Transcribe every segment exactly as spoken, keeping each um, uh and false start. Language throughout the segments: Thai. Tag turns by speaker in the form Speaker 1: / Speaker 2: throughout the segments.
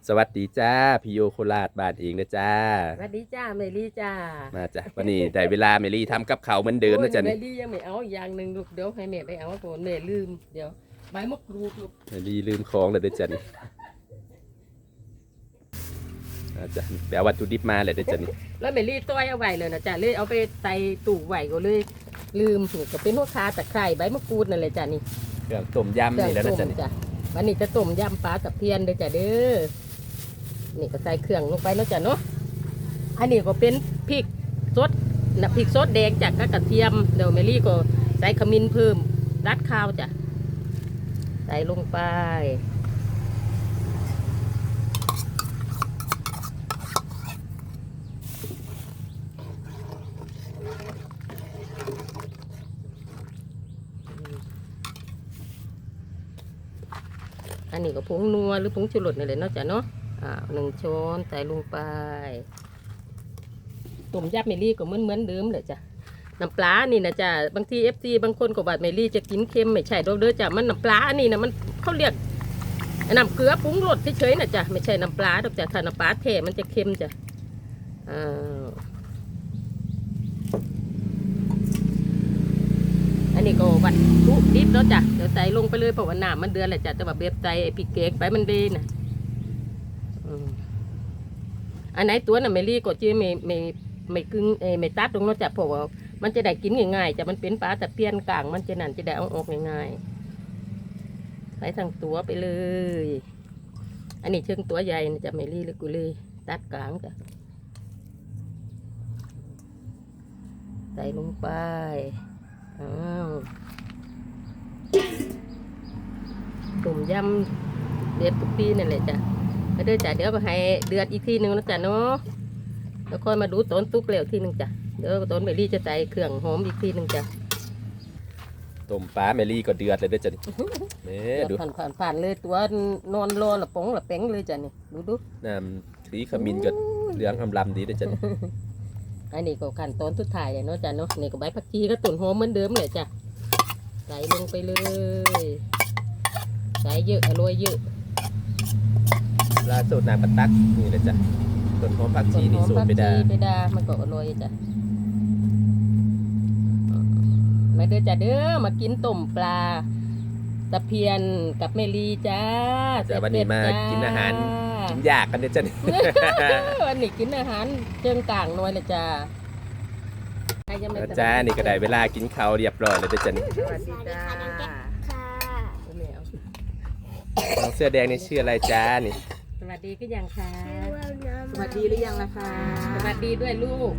Speaker 1: สวัสดีจ้าพี่โยโคราชบ้านเองนะจ้า
Speaker 2: สวัสดีจ้าเมลี่จ้า
Speaker 1: มาจ้ะวันนี้ได้เวลาเมลี่ทำกับเขาวเหมือนเดิมนะจ๊ะ
Speaker 2: เม
Speaker 1: นี่
Speaker 2: ลี่ยังไม่เอาอย่างหนึ่งลูกเดี๋ยวให้แม่ไปเอาก่อนแม่ลืมเดี๋ยวใบมะกรูดลูก
Speaker 1: เมลี่ลืมของเลยเด้อจ้ะนี่มาจ้ะไปเอาวัตถุดิบมาเลยเด้อจ้ะนี่
Speaker 2: แล้วเมลี่ต้อยเอาไว้เลยนะจ้าเลยเอาไปใส่ตู้ไว้ก็เลยลืมนี่ก็เป็นหัวคาตะไคร้ใบมะกรูดนั่นเลยจ้านี่
Speaker 1: เครื่องต้มยำนี่แล้วนะจ๊ะนี่
Speaker 2: จ้ะวันนี้จะต้มยำปลาตะเพียนเด้อจ้าเด้อนี่ก็ใส่เครื่องลงไปเนาะจ้ะเนาะอันนี้ก็เป็นพริกสดนะพริกสดแดงจากกระเทียมเดี๋ยวเมลี่ก็ใส่ขมิ้นเพิ่มรัดข้าวจ้ะใส่ลงไปอันนี้ก็ผงนัวหรือผงชูรสนี่แหละเนาะจ้ะเนาะอ่าหนึ่งช้อนใส่ลงไปต้มยำเมลี่ก็เหมือนเหมือนเดิมเลยจ้ะน้ำปลานี่นะจ้ะบางทีเอฟซีบางคนก็บอกเมลี่จะกินเค็มไม่ใช่ดอกเด้อจ้ะมันน้ำปลาอันนี้นะมันเขาเรียกน้ำเกลือปรุงรสเฉยๆนะจ้ะไม่ใช่น้ำปลาดอกจ้ะถ้าน้ำปลาแท้มันจะเค็มจ้ะอ่าอันนี้ก็วัตถุดิบแล้วจ้ะเดี๋ยวใส่ลงไปเลยเพราะว่าน้ำมันเดือดแหละจ้ะแต่ว่าเบียบใจไอ้พริกเกกไปมันดีนะอันไหนตัวน่ะเมลี่ก็จะไม่ไม่ไม่กึ่งเอไม่ตัดตรงนั้นจ้ะเพราะว่ามันจะได้กินง่ายๆจ้ะมันเป็นปลาแต่เปลี่ยนกลางมันจะนั่นจะได้เอาออกง่ายๆใส่ทั้งตัวไปเลยอันนี้เชิงตัวใหญ่นะจ้ะเมลี่เลยกูเลยตัดกลางจ้ะใส่ลงไปอ้าวต้มยำเด็ดทุกปีนั่นแหละจ้ะก็เดี๋ยวจ้ะเดี๋ยวก็ให้เดือดอีกทีหนึ่งนะจ้ะเนาะแล้วค่อยมาดูต้นตุกเหลวทีหนึ่งจ้ะเดี๋ยวต้นเมลี่จะใส่เครื่องหอมอีกทีหนึ่งจ้ะ
Speaker 1: ต้มปลาเมลี่ก็เดือดเลยเด้อจ้ะนี่เน่ดู
Speaker 2: ผ่านผ่านผ่านเลยตัวนอนรอละป๋องละแป้งเลยจ้ะนี่ดูดู
Speaker 1: น้ำสีขมิ้นก็เหลืองอำลำดีเด้อจ้ะนี่
Speaker 2: อันนี้ก็ขั้นตอนสุดท้ายเลยเนาะจ้ะเนาะนี่ก็ใบผักชีก็ต้นหอมเหมือนเดิมเลยจ้ะใส่ลงไปเลยใส่เยอะอร่อยเยอะ
Speaker 1: ลาสูตรน้ำปลาตักนี่เลยจ้ะต้นหอมผักชีนี่สูตรไปได้
Speaker 2: ไปดามันก็อร่อยจ้ะมาเด้อจ้ะเด้อมากินต้มปลาตะเพียนกับเมลีจ้า
Speaker 1: แต่วันนี้มากินอาหารกินยากกันเด้อจ้ะนี่
Speaker 2: วันนี้กินอาหารเชิงต่างหน่อยเลยจ้า
Speaker 1: จ้านี่ก็ได้เวลากินข้าวเรียบร้อยแล้วเด้อจ้ะนี่
Speaker 2: สวัสดีจ้าค่ะ
Speaker 1: น้องเสื้อแดงนี่ชื่ออะไรจ้านี่
Speaker 2: สวัสดีก็ยังค่ะ
Speaker 3: สวัสดีหรือยังล่ะคะ
Speaker 2: สวัสดีด้วยลูก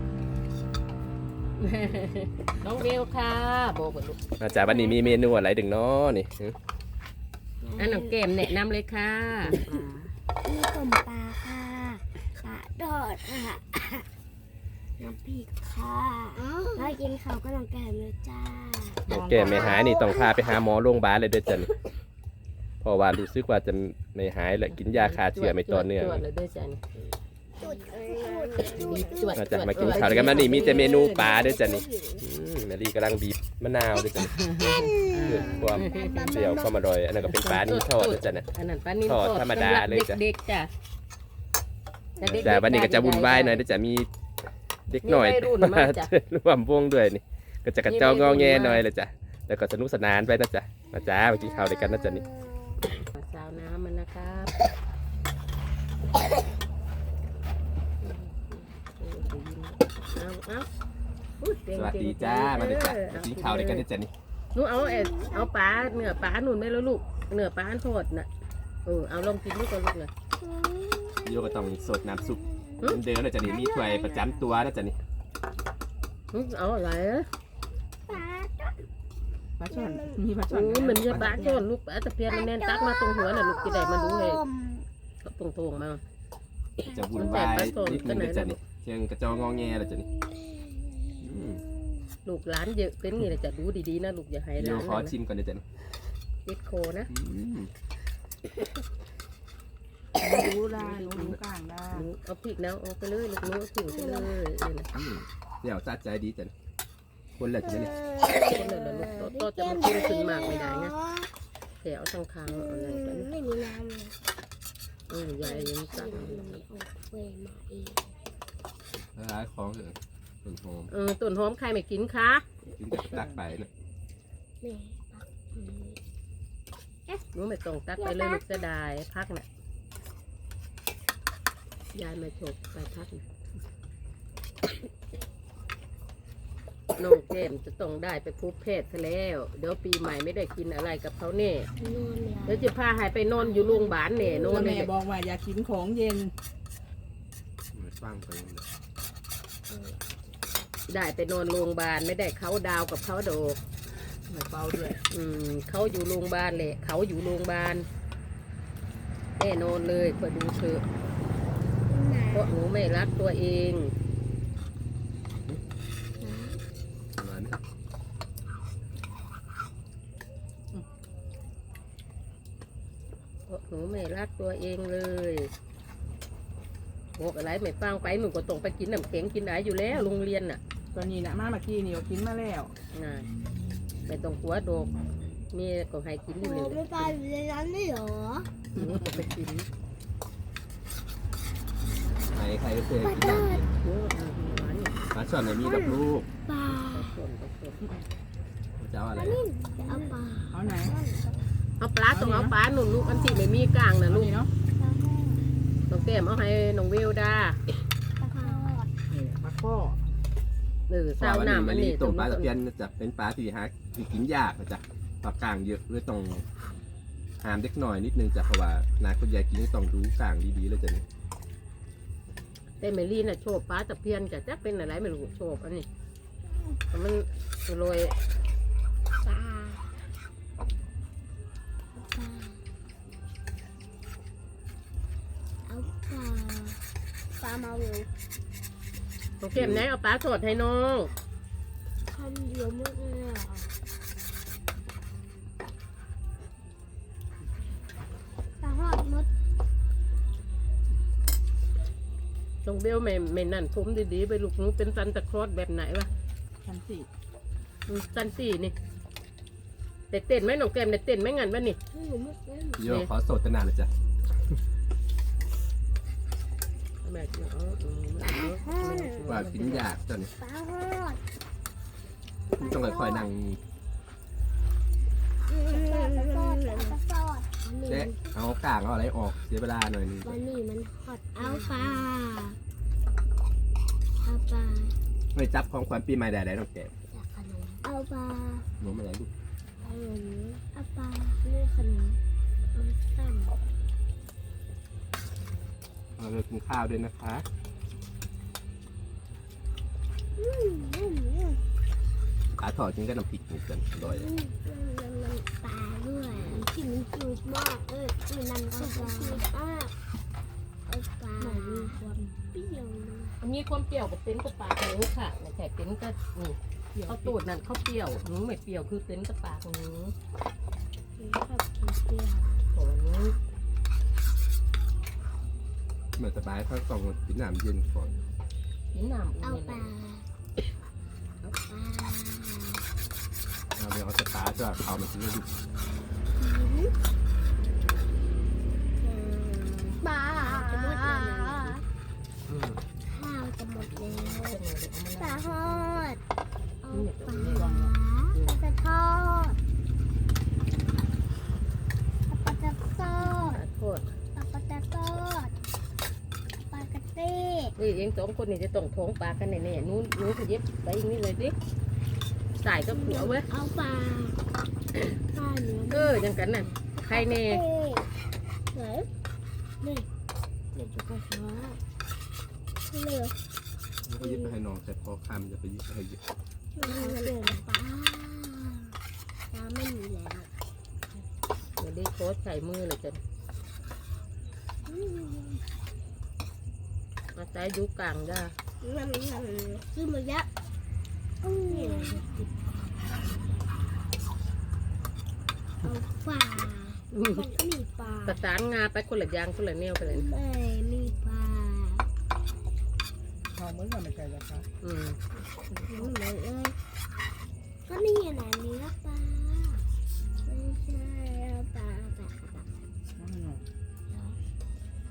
Speaker 2: น้องเวลค่ะบอกกับลูก
Speaker 1: อาจารย์วันนี้มีเมนูอะไรดึงเนาะนี่
Speaker 2: อันน้องแก้มแนะนำเลยค่ะ
Speaker 3: มีต้มปลาค่ะปลาทอดค่ะ น้ำพริกค่ะแล้วกินข้าวก็น้องแก้มเลยจ้า
Speaker 1: น้องแก้มไม่หายนี่ต้องพาไปหาหมอโรงพยาบาลเลยเด้อจ้ะนี่เพราะว่ารู้สึกว่าจะไม่หายและกินยาคาเชื้อไม่ต่อเนื่อง
Speaker 2: จวดเลยด้วยจ้ะนี่
Speaker 3: จุดจุดจุด
Speaker 2: จวด
Speaker 1: อาจารย์มากินข้าวด้วยกันมานี่มีแต่เมนูปลาเด้อจ้ะนี่อืมแมรี่กำลังบีบมะนาวเด้อจ้ะนี่เพื่อความเปรี้ยวความอร่อยอันนั้นก็เป็นปลานิ่มทอดเด้อจ้ะนะ
Speaker 2: อันนั้นปลานิ่ม
Speaker 1: ทอดธรรมดาเลยจ้ะ
Speaker 2: เด็กๆจ้ะ
Speaker 1: แต่วันนี้ก็จะวุ่นวายหน่อยเด้อจ้ะมีเด็กหน่อยมาร่วมวงด้วยนี่ก็จะกระเจ้างอแงหน่อยเลยจ้ะแล้วก็สนุกสนานไปนะจ๊ะมาจ้ามากินข้าวด้วยกันนะจ๊ะนี่
Speaker 2: สาวน้ำมันนะครับเอาเอาอุ๊ยเก่ง
Speaker 1: สวัสดีจ้ามาด้วยจ้ะมากินข้าวด้วยกันนะจ๊ะนี่
Speaker 2: หนูเอาเอ็ดเอาปลาเนื้อปลาหนุนไหมแล้วลูกเนื้อปลาอันทอดน่ะเออเอาลองกินดูก่อนลูกเลย
Speaker 1: โยก็ต้องสดน้ำซุปเหมือนเดิมนะจ๊ะนี่มีถ้วยประจำตัวนะจ๊ะนี่
Speaker 2: อืมเอาอะไรอะ
Speaker 3: ปลา
Speaker 4: ปลาช่อนมีปลาช่อน
Speaker 2: อืมมันไม่ใช่ปลาช่อนลูกปลาตะเพียนมันแน่นตักมาตรงหัวน่ะลูกจะได้มาดูเลยตรงตรงๆมา
Speaker 1: จะวุ่นวายนิดนึงนะจ๊ะนี่เชียงกระเจ้างอแงนะจ๊ะนี่อืม
Speaker 2: ลูกหลานเยอะเป็นไงล่ะจะดูดีๆนะลูกอย่าให้
Speaker 1: โย
Speaker 2: ร้าน
Speaker 1: ขอชิมก่อนนะจ๊ะนี่
Speaker 2: ติดโคนะ
Speaker 1: อืม
Speaker 4: รู้ได้รู้รู้กลางได้
Speaker 2: หนูเอาพริกแล้วเอาไปเลยลูกหนูเอาผิวไปเลยนี่นะ
Speaker 1: อืมเดี๋ยวสะใจดีจ๊ะนี่คนละจ๊ะนี่
Speaker 2: คนเลยละลูกโตจะมันกินขึ้นมากไม่ได้นะแถวทางคางอะไรกัน
Speaker 3: ไม่มีน้ำเลย
Speaker 2: เออยายยัง
Speaker 3: ตั
Speaker 2: ตั้
Speaker 3: ด
Speaker 2: ง
Speaker 3: มันออกเวมาเอง
Speaker 1: ร้ายของเถอะต้นหอม
Speaker 2: เออต้นหอมใครไม่กินคะ
Speaker 1: กินแต่ตักไปนะ
Speaker 3: แม่ปักอืม
Speaker 2: หนูไม่ต้องตักไปเลยลูกจะได้พักน่ะยายมาโฉบไปพักน่ะน้องแก้มจะต้องได้ไปพบแพทย์ซะแล้ว เดี๋ยวปีใหม่ไม่ได้กินอะไรกับเขาแน่
Speaker 3: นอนแล้ว
Speaker 2: เดี๋ยวจะพาหายไปนอนอยู่โรงพยาบาลแน่นอนเล
Speaker 4: แม่
Speaker 2: ย
Speaker 4: บอกว่าอย่ากินของเย็น
Speaker 1: มันฟังไปเลย
Speaker 2: ได้ไปนอนโรงพยาบาลไม่ได้เขาดาวกับเขาโดก
Speaker 4: ไม่เบาด้วย
Speaker 2: อืมเขาอยู่โรงพยาบาลแหละเขาอยู่โรงพยาบาลแน่นอนเลยคอยดูเถอะเพราะหนูไม่รักตัวเอง
Speaker 1: ประมาณนี้
Speaker 2: เพราะหนูไม่รักตัวเองเลยบอกอะไรไม่ฟังไปหนูก็ต้องไปกินน้ำแข็งกินอะไรอยู่แล้วโรงเรียนน่ะ
Speaker 4: ตอนนี้นะมาเมื่อกี้นี่ก็กินมาแล้ว
Speaker 2: น่ะไม่ต้องกลัวโดกมีก็ให้กินอยู่
Speaker 3: โอ้
Speaker 2: เลย
Speaker 3: ไม่ไปอยู่ในนั้นได้เหรอ
Speaker 2: หนูก็ไปกิน
Speaker 1: ไหนใครก็เคยกินน้ำเย็น
Speaker 2: เยอะอ่ะหวานเนี่ย
Speaker 1: ปลาช่อนไหนมีดอกลูก
Speaker 3: ปลา
Speaker 2: ไปส่วนไปส่วน
Speaker 1: จะเอาอะไร
Speaker 3: จะเอาปลา
Speaker 4: เอาไหน
Speaker 2: เอาปลาต้องเอาปลาหนุนลูกอันที่ไม่มีกลางนะ
Speaker 4: เอา
Speaker 2: ลูก
Speaker 4: นี่เนาะ
Speaker 2: น้องแก้มเอาให้น้องเวลดา
Speaker 3: ปลาทอด
Speaker 4: นี่ปลาข้อ
Speaker 2: เออ
Speaker 1: เพ
Speaker 2: สา
Speaker 1: ราะ
Speaker 2: ว
Speaker 1: ว่า
Speaker 2: หน้า
Speaker 1: นี่
Speaker 2: มั
Speaker 1: มัน น
Speaker 2: นี่
Speaker 1: นี่ต้มปลาตะเพียนจะเป็นปลาที่หาที่กินยากนะจ๊ะปลากลางเยอะเลยต้องหามเด็กหน่อยนิดนึงจ้ะเพราะว่านาคุณยายกินต้องดูกลางดีๆเลยจ้ะนี่
Speaker 2: แต่เมลี่น่ะโชว์ปลาตะเพียนจะจะเป็นอะไรไม่รู้โชว์อันนี้แต่มันโรย
Speaker 3: ปลาปลาเอาปลาปลามาอยู่
Speaker 2: น้องแก้มไหนเอาปลาสดให้น้อง
Speaker 3: คำเดียวหมดเลยอ่ะปลาทอดหมด
Speaker 2: น้องเบลไม่ไม่นั่นผมดีๆไปลูกหนูเป็นซันตะครอสแบบไหนวะ
Speaker 4: ชั้นสี่
Speaker 2: อืมซันสี่นี่แต่เต้นไหมน้องแก้มได้เต้นไหมงั้นวะนี่
Speaker 3: ให้หนูหมดเลย
Speaker 1: โยขอโสดตนานเลยจ้ะ
Speaker 2: แม่กินเอาอืมเอาเอาเอา
Speaker 1: ว่ากินยากจ้ะนี่
Speaker 3: ปลาทอด
Speaker 1: ต้องค่อยๆนั่ง
Speaker 3: ปลาทอดปลาทอด
Speaker 1: แจะเอากลางเอาอะไรออกเสียเวลาหน่อยนึง
Speaker 3: วันนี้มันทอดเอาปลาเอาปลา
Speaker 1: ไม่จับของขวัญปีใหม่ใดๆน้องแก้ม
Speaker 3: จากขนมเอาปลา
Speaker 1: หนูไม่ไหนลูก
Speaker 3: ขนมเอาปลาเลือกขนมเอาสั้น
Speaker 1: เราเลยกินข้าวด้วยนะคะ
Speaker 3: อืมอืมอืม
Speaker 1: ปลาทอดกินกับน้ำพริกนี่กันอร่อย
Speaker 3: อืมอืมมันมันปลาด้วยที่มันจืดมากเออที่มันก็จืดมากเอาปลามันมีความเปรี้ยวนะ
Speaker 2: มีความเปรี้ยวกับเป็นกับปากหนูค่ะไม่ใช่เป็นก็นี่เขาตูดนั่นเขาเปรี้ยวหนูไม่เปรี้ยวคือเป็นกับปากหนู
Speaker 3: มันชอบกินเปรี้ยว
Speaker 2: โอ้หนู
Speaker 1: เหมือนสบายเขาต้องกินน้ำเย็นก่อน
Speaker 2: กินน้ำ
Speaker 3: เอา
Speaker 2: อุ่น
Speaker 3: ปลา
Speaker 2: เลย
Speaker 3: เอาปลา
Speaker 1: เอาเดี๋ยวเอาสตาร์ทจะเอามากินให้ดู
Speaker 3: ปลาจะหมดแล้วนะ
Speaker 1: อืม
Speaker 3: ข้าวจะหมดแล้ว
Speaker 2: เอา
Speaker 3: ป
Speaker 2: มาเลยเอามา
Speaker 3: ลา
Speaker 2: เลย
Speaker 3: ทอดเอาปลาปลาจะทอดปลาจะทอด
Speaker 2: โทษ
Speaker 3: ปลาปลาจะทอดปลากระเต้
Speaker 2: นี่เองสองคนนี่จะต้องท้องปลากันแน่ๆนู้นนู้นขยิบไปอย่างนี้เลยดิใส่ก็ขัวเว้ย
Speaker 3: เอาปลาปลาเนื้อ
Speaker 2: เออยังกันน่ะใครแน่
Speaker 3: ไหนนี่เดี๋ยวจะกระหัวเหลือ
Speaker 1: แล้วก็ยึดไปให้น้องแต่พอคำจะไปยึดไปให้เยอะ
Speaker 3: มันเหลือปลาปลาไม่มีแล้ว
Speaker 2: เดี๋ยวได้โคตรใส่มือเลยจ้ะ
Speaker 3: อืม
Speaker 2: มาใส่ยุกลางได้
Speaker 3: มันมันคือมันยักษ์อืมเอาปลา
Speaker 2: อืม
Speaker 3: มันมีปลา
Speaker 2: ประสานงาไปคนละอยางคนละแนวไปเลย
Speaker 3: ไม่มีปลา
Speaker 4: ทองเหมือนกันไม่ใช่เหรอคะ
Speaker 2: อืม
Speaker 3: ไม่เลยเอ้ยก็นี่แหละเนื้อปลาไม่ใช่เอาปลาปลาปลา
Speaker 4: อืม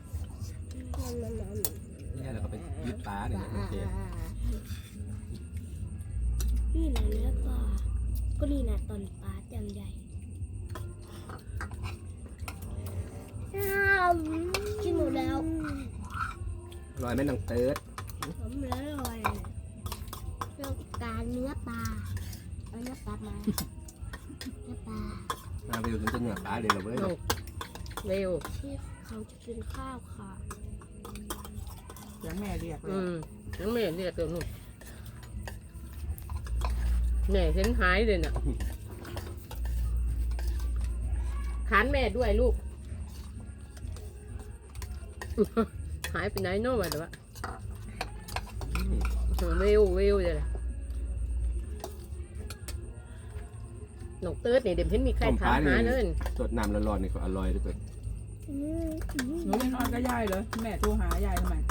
Speaker 1: เนี่ยโอเค
Speaker 3: นี่แหละเนื้อปลาก็นี่นะตอนปลาจังใหญ่กินหมดแล้ว
Speaker 1: อร่อยไหมน้องเติร์ด
Speaker 3: ผมเหลืออร่อยเราการเนื้อปลาเอาเนื้อปลามาเนื้อปลา
Speaker 1: มาไปดูถึงจะเหนือปลาเลยเหรอเว้ย
Speaker 2: น้องเร็ว
Speaker 3: ที่เขาจะกินข้าวค่ะ
Speaker 4: เสียงแม่เรียกเลย
Speaker 2: อืมน้องแม่เรียกเดี๋ยวนู่นแม่เห็นหายเลยน่ะขานแม่ด้วยลูก หายไปไหนเนาะวะเดี๋ยววะ
Speaker 1: อืม
Speaker 2: เวลเวลเลยหนกเติร์ดนี่เดี๋ยวเห็นมีใครถามหาเลย
Speaker 1: สดน้ำร้อนๆนี่ก็อร่อยด้วยตัว
Speaker 3: อืมอืม
Speaker 4: หนูไม่นอนก็ยายเลยแม่โทรหายายทำไม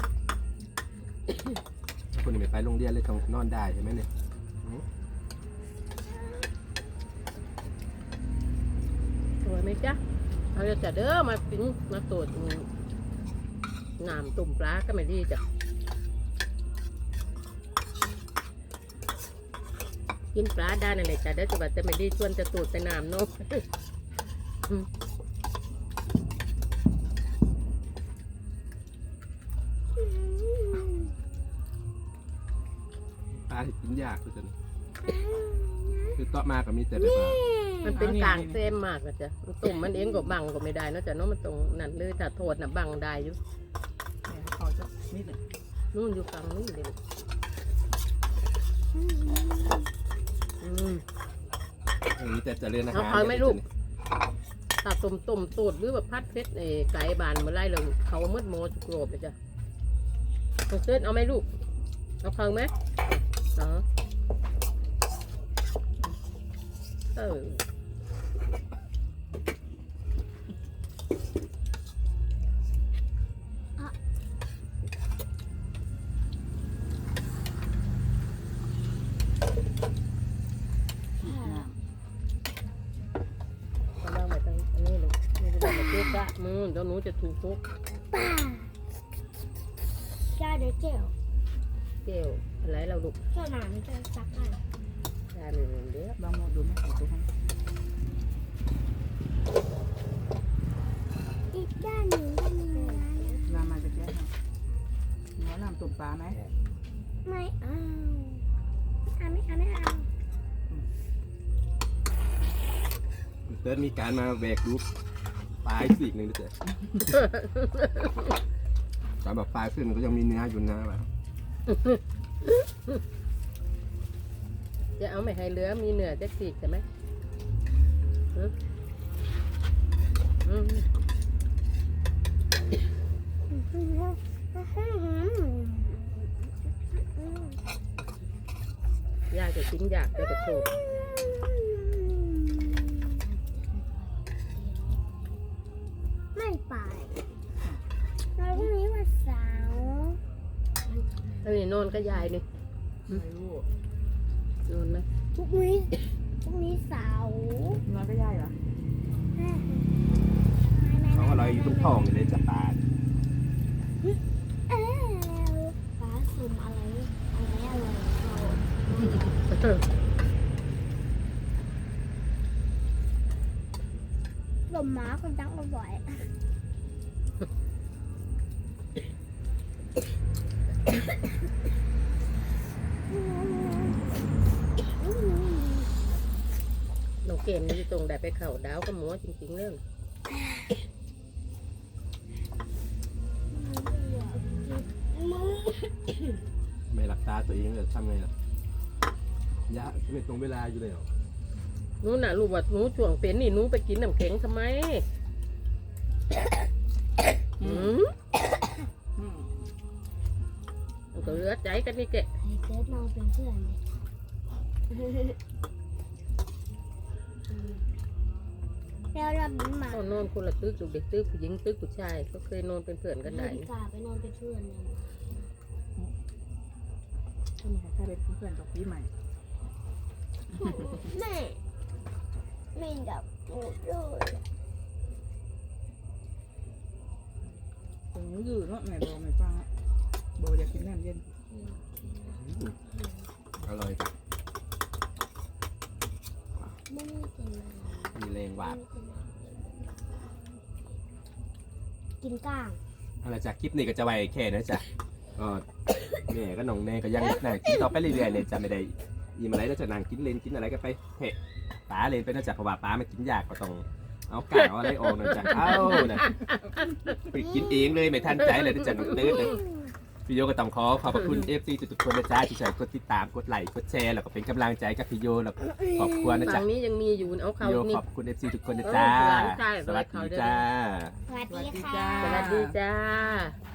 Speaker 1: คนนี้ไม่ไปโรงเรียนเลยต้องนอนได้ใช่ไหมเนี่ย
Speaker 2: สวยไหมจ๊ะเอาจะเด้อมากินมาตรวจน้ำตุ่มปลาก็ไม่ดีจ้ะกินปลาได้นั่นแหละจ้ะเด้อจะแบบจะไม่ดีชวนจะตรวจไปน้ำเนาะ
Speaker 1: ปลาที่กินยากคือจะคือต่อมาก็มีแต่แบบว่า
Speaker 2: มันเป็นกลางเส้นมากนะจ๊ะมันตุ่มมันเองก็บังก็ไม่ได้เนอะจ๊ะเนาะมันตรงนั่นเลยถ้าโทษน่ะบังได้อยู่
Speaker 4: แม่เขาจะนิดหนึ่ง
Speaker 2: นู่นอยู่ฝั่งนู้นเลยอืม
Speaker 1: มีแต่เจะเรียนอาหาร
Speaker 2: เอาเขาไหมลูก ถ้าต้มต้มตูดหรือแบบพัดเพชรไอ้ไก่บานเมื่อไรเราเขามืดโมจุกโรบเลยจ้ะเอาเส้นเอาไหมลูกเอาเขาไหมอ๋อเออ เอาล่างไปทางอันนี้ลูกไม่ได้มาเจ๊กะมือเดี๋ยวหนูจะถูกทุก
Speaker 3: ปลาจ้าเดี๋ยวเจียว
Speaker 2: เกลอะไรเราลูก
Speaker 3: เจ้าหนามจะซักให้
Speaker 2: ชาหนึ่งเดียว
Speaker 4: ลองหมดดูไหมของตัวให้
Speaker 3: อีกด้านหนึ่งก็มีนะ
Speaker 4: น้ำมาจะแก้ให้หนูน้ำตุ่มปลาไหม
Speaker 3: ไม่เอาเอาไม่เอาไม่เอา
Speaker 1: เติร์ดมีการมาแบกรูปปลายสีกหนึ่งด้วยจ้ะตอนแบบปลายขึ้นมันก็ยังมีเนื้ออยู่นะแบบ
Speaker 2: จะเอาไม่ให้เหลือมีเนื้อจะสีกใช่ไหมอืมอืมยากจะกินยากจะกระโดด
Speaker 3: ไม่ไปเราพรุ่งนี้วันเสาร์
Speaker 2: อันนี้นอนก็ยายนี่
Speaker 4: ไม่รู้
Speaker 2: นอนไหม
Speaker 3: พรุ่งนี้พรุ่งนี้เสาร์
Speaker 4: นอนก็ยายเหรอ
Speaker 1: เขาอร่อยอยู่ตรงท้องเลยจ้ะปลา
Speaker 3: เอ้าฟ้าสุ่มอะไรอะไรอะไรเราลมหมาคนจังอร่อย
Speaker 2: น้องเกมนี่ตรงได้ไปเข่าดาวก็หมัวจริงๆเรื่อง
Speaker 1: ไม่รักษาตัวเองเลยทำไงล่ะยะไม่ตรงเวลาอยู่เลยเหรอ
Speaker 2: หนูน่ะลูกว่าหนูช่วงเป็นนี่หนูไปกินน้ำแข็งทำไมอืม
Speaker 4: อืม
Speaker 2: มันก็เหลือใจกันนี่แกะ
Speaker 3: ให้เกิดนอนเป็นเพื่อนเลยแล้วเราบินมา
Speaker 2: เขานอนคนละตึกลูกเด็กตึกผู้หญิงตึกผู้ชายก็เคยนอนเป็นเพื่อนกันได้
Speaker 3: ดีกว่าไปนอนเป็นเพื่อนเลย
Speaker 4: ก็มีใครเป็นเพื่อนกับพี่ใหม่
Speaker 3: แม่ไม่ดับปูดเลย
Speaker 4: ผมยืดเนาะแม่โบไม่ฟังอะโบอยากกินน้ำเย็น
Speaker 3: อ
Speaker 1: อร่อยจ้ะ
Speaker 3: ไม่ได้กินอะไร
Speaker 1: มีแรงหวาน
Speaker 3: กินก้าง
Speaker 1: เอาละจ้ะคลิปนี้ก็จะไว้แค่นะจ๊ะก็แม่ก็น้องแน่ก็ยังนั่งกินต่อไปเรื่อยๆเลยจ้ะไม่ได้อิ่มอะไรแล้วจะนั่งกินเลนกินอะไรก็ไปเฮ้ป้าเลนไปนะจ๊ะเพราะว่าป้าไม่กินยากก็ต้องเอากากเอาอะไรออกนะจ๊ะเอ้านะไปกินเองเลยไม่ทันใจเลยนะจ๊ะน้องเต้เลยพี่โยก็ต้องขอขอบพระคุณ เอฟ ซี ทุกๆคนนะจ๊ะที่ช่วยกดติดตามกดไลค์กดแชร์แล้วก็เป็นกำลังใจกับพี่โยแล้วก็ขอบคุณนะจ๊ะ
Speaker 2: ฝั่งนี้ยังมีอยู่เอาเขา
Speaker 1: พี่โย
Speaker 2: นี่
Speaker 1: ขอบคุณ เอฟ ซี ทุกคนนะจ๊ะ
Speaker 2: เออหลานชาย
Speaker 1: สวัสดีจ้า
Speaker 3: สวัสดี
Speaker 4: สวัสดี
Speaker 3: ค่ะ
Speaker 4: จ้า
Speaker 2: สวัสดีจ้า